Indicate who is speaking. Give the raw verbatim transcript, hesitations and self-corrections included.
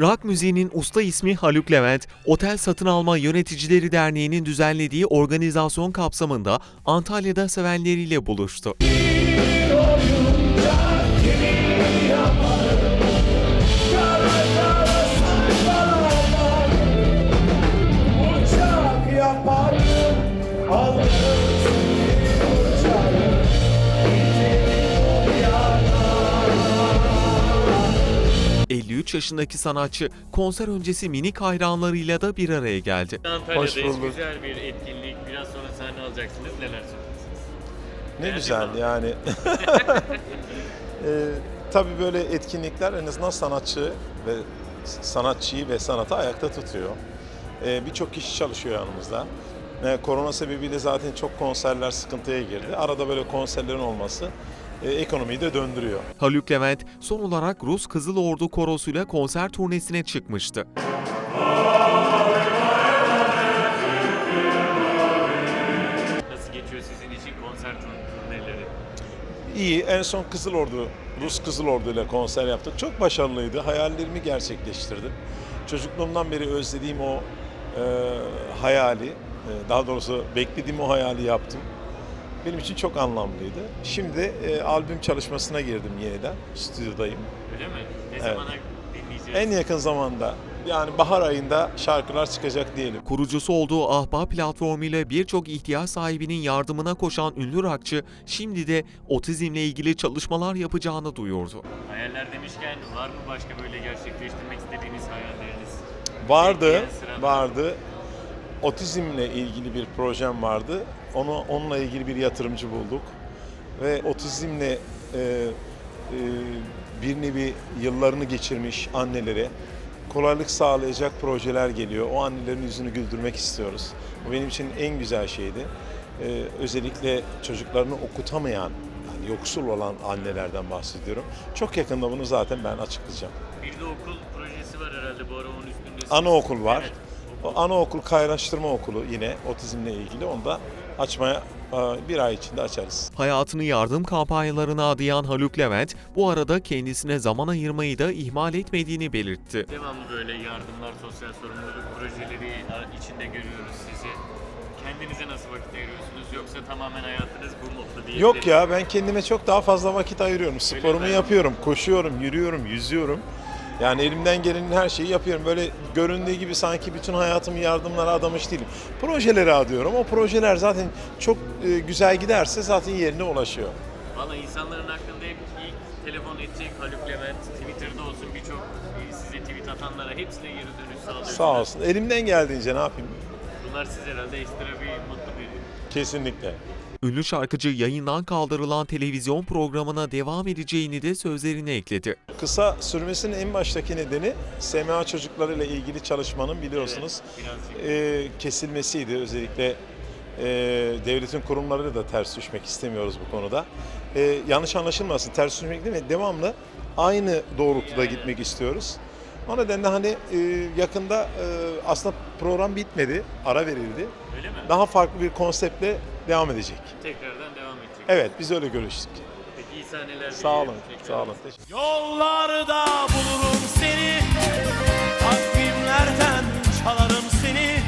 Speaker 1: Rock müziğinin usta ismi Haluk Levent, Otel Satın Alma Yöneticileri Derneği'nin düzenlediği organizasyon kapsamında Antalya'da sevenleriyle buluştu. elli üç yaşındaki sanatçı konser öncesi minik hayranlarıyla da bir araya geldi.
Speaker 2: Antalya'dayız, güzel bir etkinlik. Biraz sonra sahne alacaksınız. Neler söyleyeceksiniz?
Speaker 3: Ne
Speaker 2: Beğendin
Speaker 3: güzel
Speaker 2: mi?
Speaker 3: yani. ee, tabii böyle etkinlikler en azından sanatçı ve sanatçıyı ve sanatı ayakta tutuyor. Ee, Birçok kişi çalışıyor yanımızda. Ee, korona sebebiyle zaten çok konserler sıkıntıya girdi. Arada böyle konserlerin olması e, ekonomiyi de döndürüyor.
Speaker 1: Haluk Levent son olarak Rus Kızıl Ordu Korosu'yla konser turnesine çıkmıştı.
Speaker 2: Nasıl geçiyor sizin için konser turneleri?
Speaker 3: İyi, en son Kızıl Ordu, Rus Kızıl Ordu ile konser yaptık. Çok başarılıydı. Hayallerimi gerçekleştirdim. Çocukluğumdan beri özlediğim o e, hayali, e, daha doğrusu beklediğim o hayali yaptım. Benim için çok anlamlıydı. Şimdi e, albüm çalışmasına girdim yeniden. Stüdyodayım.
Speaker 2: Öyle mi? Ne
Speaker 3: Evet.
Speaker 2: zamana dinleyeceğiz?
Speaker 3: En yakın zamanda, yani bahar ayında şarkılar çıkacak diyelim.
Speaker 1: Kurucusu olduğu Ahbap platformuyla birçok ihtiyaç sahibinin yardımına koşan ünlü rockçı, şimdi de otizmle ilgili çalışmalar yapacağını duyurdu.
Speaker 2: Hayaller demişken var mı başka böyle gerçekleştirmek istediğiniz hayalleriniz?
Speaker 3: Vardı,
Speaker 2: Bekleyen sırada.
Speaker 3: vardı. Otizmle ilgili bir projem vardı. Onu onunla ilgili bir yatırımcı bulduk ve otizmle e, e, bir nevi yıllarını geçirmiş annelere kolaylık sağlayacak projeler geliyor. O annelerin yüzünü güldürmek istiyoruz. Bu benim için en güzel şeydi. E, özellikle çocuklarını okutamayan, yani yoksul olan annelerden bahsediyorum. Çok yakında bunu zaten ben açıklayacağım.
Speaker 2: Bir de okul projesi var herhalde bu ara onun üstünde.
Speaker 3: Anaokul var.
Speaker 2: Evet.
Speaker 3: O anaokul kaynaştırma okulu yine otizmle ilgili, onu da açmaya e, bir ay içinde açarız.
Speaker 1: Hayatını yardım kampanyalarına adayan Haluk Levent, bu arada kendisine zaman ayırmayı da ihmal etmediğini belirtti.
Speaker 2: Devamlı böyle yardımlar, sosyal sorumluluk projeleri içinde görüyoruz sizi. Kendinize nasıl vakit ayırıyorsunuz yoksa tamamen hayatınız bu modda diyebilir
Speaker 3: Yok
Speaker 2: miyiz?
Speaker 3: ya, ben kendime çok daha fazla vakit ayırıyorum. Sporumu
Speaker 2: mi?
Speaker 3: yapıyorum, koşuyorum, yürüyorum, yüzüyorum. Yani elimden gelenin her şeyi yapıyorum. Böyle göründüğü gibi sanki bütün hayatımı yardımlara adamış değilim. Projelere adıyorum. O projeler zaten çok e, güzel giderse zaten yerine ulaşıyor.
Speaker 2: Valla insanların aklında hep ilk telefon edecek Haluk Levent, Twitter'da olsun birçok e, size tweet atanlara hepsine geri dönüş sağlıyorsunuz.
Speaker 3: Sağ olsun. Elimden geldiğince ne yapayım?
Speaker 2: Bunlar size herhalde ekstra bir mutlu veriyor.
Speaker 3: Kesinlikle.
Speaker 1: Ünlü şarkıcı yayından kaldırılan televizyon programına devam edeceğini de sözlerine ekledi.
Speaker 3: Kısa sürmesinin en baştaki nedeni S M A çocuklarıyla ilgili çalışmanın biliyorsunuz
Speaker 2: Evet, birazcık.
Speaker 3: e, kesilmesiydi. Özellikle e, devletin kurumlarıyla da ters düşmek istemiyoruz bu konuda. E, yanlış anlaşılmasın, ters düşmek değil mi? Devamlı aynı doğrultuda gitmek istiyoruz. O nedenle hani e, yakında e, aslında program bitmedi, ara verildi.
Speaker 2: Öyle mi?
Speaker 3: Daha farklı bir konseptle devam edecek.
Speaker 2: Tekrardan devam edecek.
Speaker 3: Evet, biz öyle görüştük.
Speaker 2: Peki iyi sahneler
Speaker 3: Sağ olun,
Speaker 2: diliyorum tekrar.
Speaker 3: sağ olun. Teşekkür
Speaker 4: Yollarda bulurum seni, takvimlerden çalarım seni.